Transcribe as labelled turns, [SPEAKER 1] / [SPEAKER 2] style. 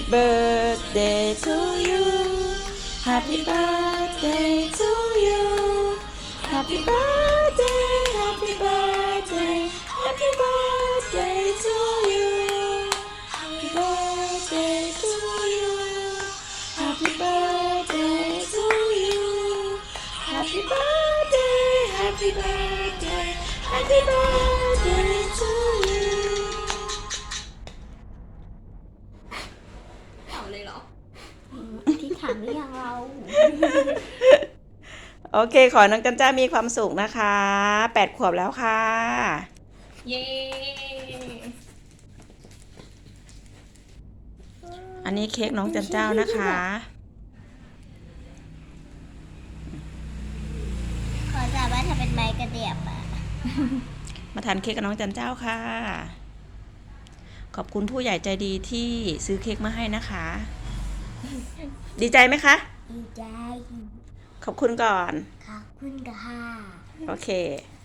[SPEAKER 1] birthday to you Happy birthday to you Happy birthday Happy birthday Happy birthday to you Happy birthday to you Happy birthday to you Happy birthday Happy birthday Happy birthday to you
[SPEAKER 2] เอาเลยเหรอ
[SPEAKER 3] ที่ถามหรือยังเรา
[SPEAKER 1] โอเคขอน้องจันจ้ามีความสุขนะคะ8 ขวบแล้วค่ะ
[SPEAKER 2] เย้
[SPEAKER 1] อันนี้เค้กน้องจันเจ้านะคะ
[SPEAKER 3] ขอจะว่าถ้าเป็นไม้กระเดียบอ่ะ
[SPEAKER 1] มาทานเค้กกับน้องจันเจ้าค่ะ ขอบคุณผู้ใหญ่ใจดีที่ซื้อเค้กมาให้นะคะ ดีใจไหมคะ
[SPEAKER 3] ดีใจ
[SPEAKER 1] ขอบคุณก่อน
[SPEAKER 3] ขอบคุณค่ะ
[SPEAKER 1] โอเค